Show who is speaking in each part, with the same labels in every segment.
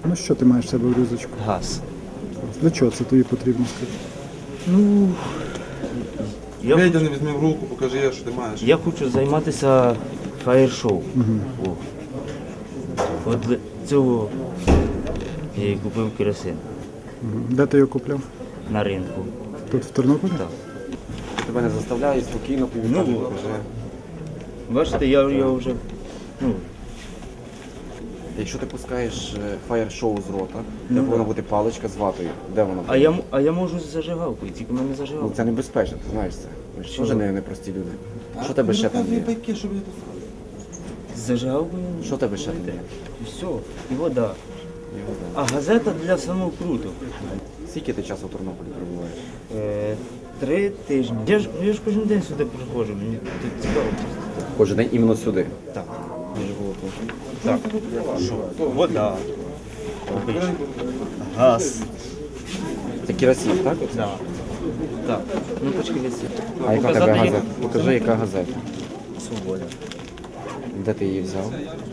Speaker 1: Ну що ти маєш в себе в рюкзачку?
Speaker 2: Газ.
Speaker 1: Для чого це тобі потрібно, скажи?
Speaker 2: Ну, я,
Speaker 3: Вийди, не візьми в руку, покажи, що ти маєш.
Speaker 2: я хочу займатися фаєр-шоу. О. От для цього я і купив керосин
Speaker 1: Де ти його купляв?
Speaker 2: на ринку.
Speaker 1: Тут в Тернополі?
Speaker 2: Так.
Speaker 4: Тебе не заставляє, спокійно повідомляє, покажи.
Speaker 2: Бачите, я його вже. Ну,
Speaker 4: Якщо ти пускаєш фаєр-шоу з рота, де повинна бути паличка з ватою. Де вона?
Speaker 2: а я можу з зажигалкою, тільки в мене
Speaker 4: Ну,
Speaker 2: зажигалка.
Speaker 4: це небезпечно, ти знаєш це. Ми ж теж не прості люди. Що тебе ще там є?
Speaker 3: Байки, щоб я тут
Speaker 2: З зажигалкою.
Speaker 4: Що тебе ще там є?
Speaker 2: І все, і вода. А газета для самокруток.
Speaker 4: Скільки ти часу в Тернополі перебуваєш?
Speaker 2: 3 тижні. Я ж кожен день сюди приходжу, мені тут цікаво.
Speaker 4: Кожен день іменно сюди.
Speaker 2: Так, я живу тут. Так. Що? Вода. Обична. Газ.
Speaker 4: Це керосин, так?
Speaker 2: Да. Так. Ну почки висить.
Speaker 4: А яка тебе газета? Покажи, яка газета.
Speaker 2: Свобода.
Speaker 4: Де ти її взяв?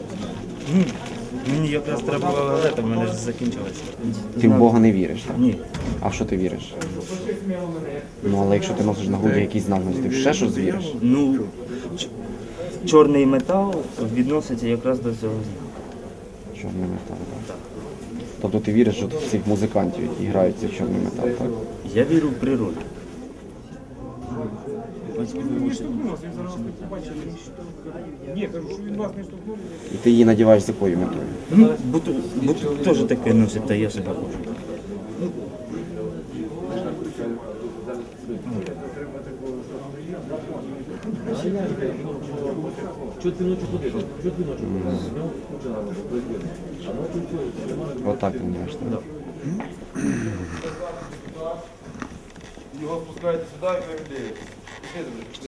Speaker 2: Мені якраз треба була газета, в мене ж закінчилася.
Speaker 4: Ти в Бога не віриш, так?
Speaker 2: Ні.
Speaker 4: А в що ти віриш? Ну, але якщо ти носиш на груді якийсь знак, ти в ще щось віриш?
Speaker 2: Ну, чорний метал відноситься якраз до цього знаку.
Speaker 4: Чорний метал, так? Тобто ти віриш що в цих музикантів, які грають цей чорний метал, так?
Speaker 2: Я вірю в природу.
Speaker 4: І ти її надіваєш з якою метою?
Speaker 2: Ну, бо теж таке носить, та я себе хочу.
Speaker 4: Отак ти надіваєш, так?
Speaker 3: його спускаєте сюди і ви